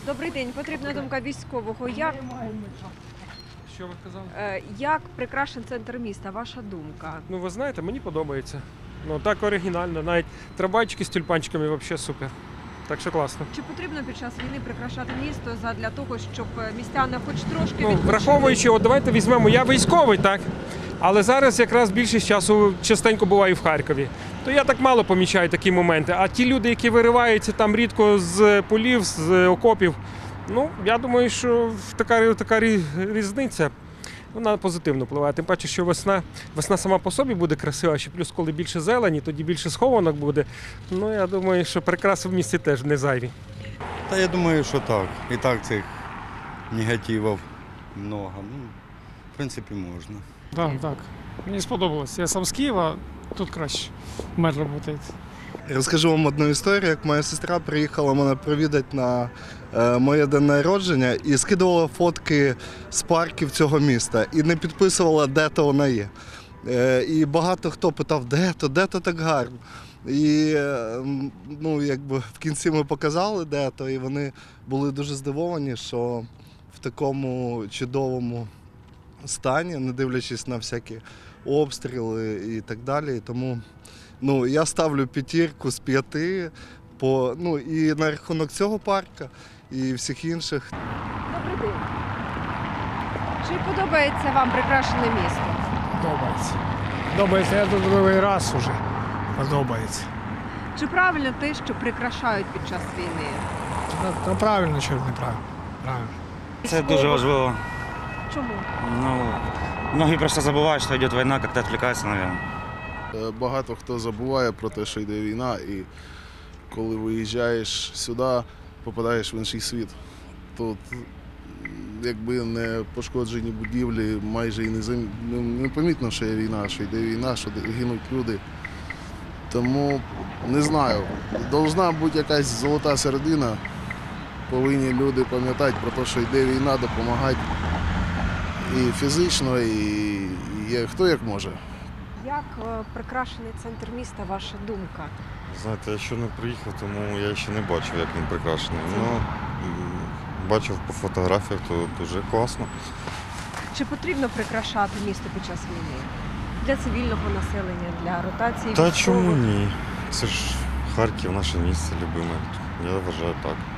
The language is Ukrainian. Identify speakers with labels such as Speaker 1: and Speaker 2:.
Speaker 1: Добрий день. Потрібна думка військового.
Speaker 2: Що ви казали?
Speaker 1: Як прикрашен центр міста? Ваша думка?
Speaker 2: Ну, ви знаєте, мені подобається. Ну, так оригінально. Навіть трамвайчики з тюльпанчиками взагалі супер. Так що класно.
Speaker 1: Чи потрібно під час війни прикрашати місто для того, щоб містяни хоч трошки
Speaker 2: Ну,
Speaker 1: відпочили?
Speaker 2: враховуючи, от давайте візьмемо, я військовий, так? Але зараз якраз більшість часу частенько буваю в Харкові. То я так мало помічаю такі моменти. А ті люди, які вириваються там рідко з полів, з окопів, ну, я думаю, що така різниця, вона позитивно впливає. Тим паче, що весна сама по собі буде красива, ще плюс коли більше зелені, тоді більше схованок буде. Ну, я думаю, що прикраси в місті теж не зайві.
Speaker 3: Та я думаю, що так. І так цих негативів много. Ну, в принципі, можна.
Speaker 4: Так. Мені сподобалось. Я сам з Києва, тут краще мер працює.
Speaker 5: Розкажу вам одну історію, як моя сестра приїхала мене провідати на моє день народження і скидувала фотки з парків цього міста і не підписувала, де то вона є. І багато хто питав, де то так гарно. І ну, якби в кінці ми показали, де то, і вони були дуже здивовані, що в такому чудовому стані, не дивлячись на всякі обстріли і так далі. Тому ну, я ставлю 5 з 5 ну, і на рахунок цього парка, і всіх інших.
Speaker 1: Добрий день. Чи подобається вам прикрашене місто?
Speaker 4: Подобається. Подобається, я тут другий раз уже. Подобається.
Speaker 1: Чи правильно те, що прикрашають під час війни?
Speaker 4: Та правильно чи неправильно? Правильно.
Speaker 6: Це дуже важливо.
Speaker 1: Чому?
Speaker 6: Ну, многие просто забувають, що йде війна, як-то відвлікаються, мабуть.
Speaker 7: Багато хто забуває про те, що йде війна, і коли виїжджаєш сюди, попадаєш в інший світ. Тут якби не пошкоджені будівлі, майже і не помітно, що є війна, що йде війна, що гинуть люди. Тому не знаю, должна бути якась золота середина. Повинні люди пам'ятати про те, що йде війна, допомагати і фізично, і хто як може.
Speaker 1: Як прикрашений центр міста, ваша думка?
Speaker 8: Знаєте, я ще не приїхав, тому я ще не бачив, як він прикрашений. Ну, бачив по фотографіях, то дуже класно.
Speaker 1: Чи потрібно прикрашати місто під час війни? Для цивільного населення, для ротації
Speaker 8: Та
Speaker 1: військових?
Speaker 8: чому ні? Це ж Харків, наше місце любиме. Я вважаю так.